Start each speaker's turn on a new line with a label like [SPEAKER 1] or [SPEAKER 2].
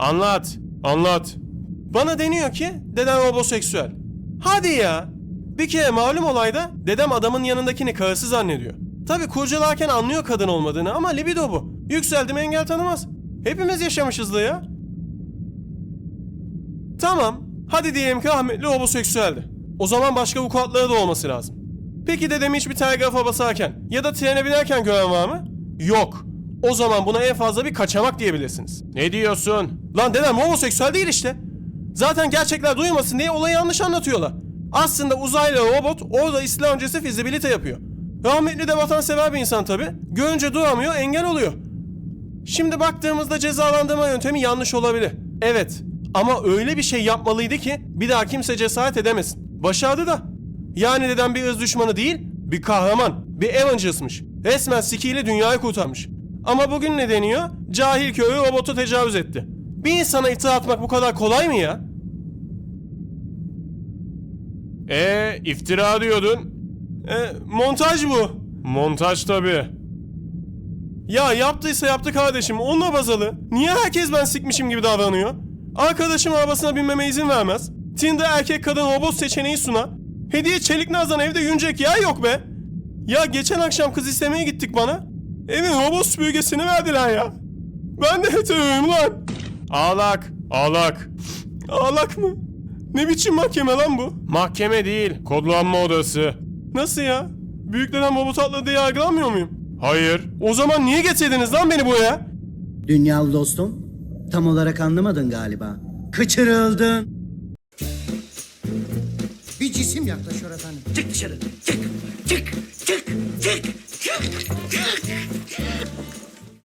[SPEAKER 1] Anlat. Anlat. Bana deniyor ki dedem homoseksüel. Hadi ya. Bir kere malum olayda dedem adamın yanındakini karısı zannediyor. Tabi kurcalarken anlıyor kadın olmadığını ama libido bu. Yükseldi mi engel tanımaz. Hepimiz yaşamışızdır ya. Tamam. Hadi diyelim ki rahmetli homoseksüeldi. O zaman başka vukuatları da olması lazım. Peki dedemi hiçbir telgrafa basarken ya da trene binerken gören var mı? Yok. O zaman buna en fazla bir kaçamak diyebilirsiniz. Ne diyorsun? Lan dedem homoseksüel değil işte. Zaten gerçekler duymasın diye olayı yanlış anlatıyorlar. Aslında uzaylı robot orada İslam öncesi fizibilite yapıyor. Rahmetli de vatansever bir insan tabi. Görünce duramıyor, engel oluyor. Şimdi baktığımızda cezalandırma yöntemi yanlış olabilir. Evet. Ama öyle bir şey yapmalıydı ki bir daha kimse cesaret edemesin. Başardı da. Yani dedem bir ırz düşmanı değil, bir kahraman, bir Avengers'mış. Resmen sikiyle dünyayı kurtarmış. Ama bugün ne deniyor? Cahil köyü robotu tecavüz etti. Bir insana iftira atmak bu kadar kolay mı ya? İftira diyordun. Montaj bu. Montaj tabii. Ya yaptıysa yaptı kardeşim, onunla bazalı. Niye herkes ben sikmişim gibi davranıyor? Arkadaşım arabasına binmeme izin vermez. Tinder erkek kadın robot seçeneği sunar. Hediye Çelik Naz'dan evde yünecek yer yok be. Ya geçen akşam kız istemeye gittik bana. Evin robot süpürgesini verdiler ya. Ben de heteroyum lan. Ağlak. Ağlak. Ağlak mı? Ne biçim mahkeme lan bu? Mahkeme değil, kodlanma odası. Nasıl ya? Büyüklerden robot atladı diye yargılanmıyor muyum? Hayır. O zaman niye getirdiniz lan beni buraya?
[SPEAKER 2] Dünyalı dostum, tam olarak anlamadın galiba. Kaçırıldın.
[SPEAKER 3] Bir cisim yaklaşıyor efendim. Çık dışarı. Çık. Çık. Çık. Çık. Çık. Çık.